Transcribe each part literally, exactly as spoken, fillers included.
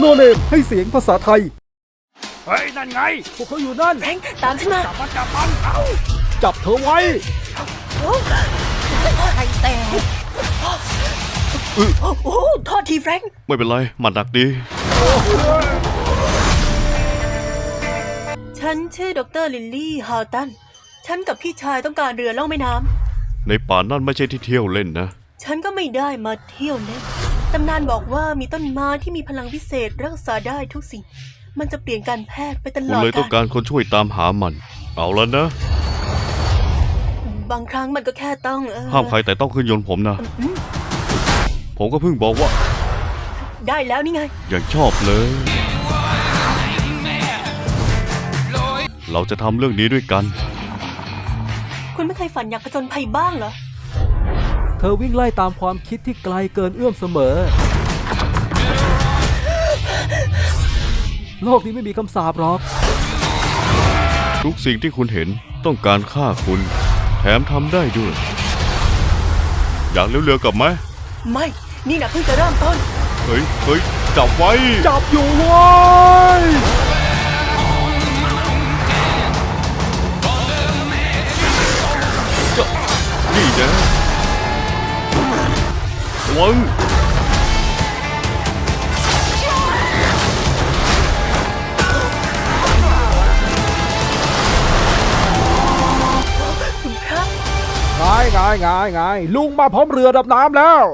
โนเนมให้เสียงภาษาไทยเฮ้ยนั่นไงพวกเขาอยู่นั่นแฟรงค์ตามฉันมาจับมันจับมันเอาจับเธอไว้โอ้ไข่แตกโอ้โหโทษทีแฟรงค์ไม่เป็นไรหมัดหนักดีฉันชื่อดรลิลลี่ฮาวตันฉันกับพี่ชายต้องการเรือล่องแม่น้ำในป่านั่นไม่ใช่ที่เที่ยวเล่นนะฉันก็ไม่ได้มาเที่ยวเล่นตำนานบอกว่ามีต้นไม้ที่มีพลังพิเศษรักษาได้ทุกสิ่งมันจะเปลี่ยนการแพทย์ไปตคุลณอดเลยต้องกาการ รคนช่วยตามหามัน เอาแล้วนะบางครั้งมันก็แค่ต้องเออห้ามใครแต่ต้องขึ้นยนต์ผมนะอืมผมก็เพิ่งบอกว่าได้แล้วนี่ไงอย่างชอบเลย เราจะทำเรื่องนี้ด้วยกันคุณไม่เคยฝันอยากผจญภัยบ้างเหรอเธอวิ่งไล่ตามความคิดที่ไกลเกินเอื้อมเสมอโลกนี้ไม่มีคำสาปหรอกทุกสิ่งที่คุณเห็นต้องการฆ่าคุณ แถมทำได้ด้วย อยากเลี้ยวเรือกลับไหมไม่นี่นะเพิ่งจะเริ่มต้นเฮ้ยเฮ้ยจับไว้จับอยู่เว้ยนี่นะระวังคุณพระไงไงไงไงลุงมาพร้อมเรือดับน้ำแล้ว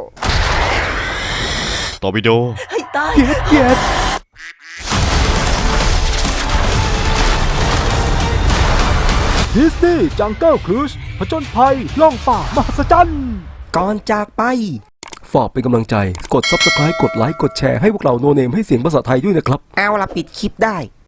ตอร์ปิโดให้ตายเกียดเกียดดิสนีย์จังเกิลครูซผจญภัยล่องป่ามหัศจรรย์ก่อนจากไป ฝากเป็นกำลังใจกด ซับสไครบ์ กดไลค์ กดแชร์ให้พวกเราโนเนมให้เสียงภาษาไทยด้วยนะครับเอาละปิดคลิปได้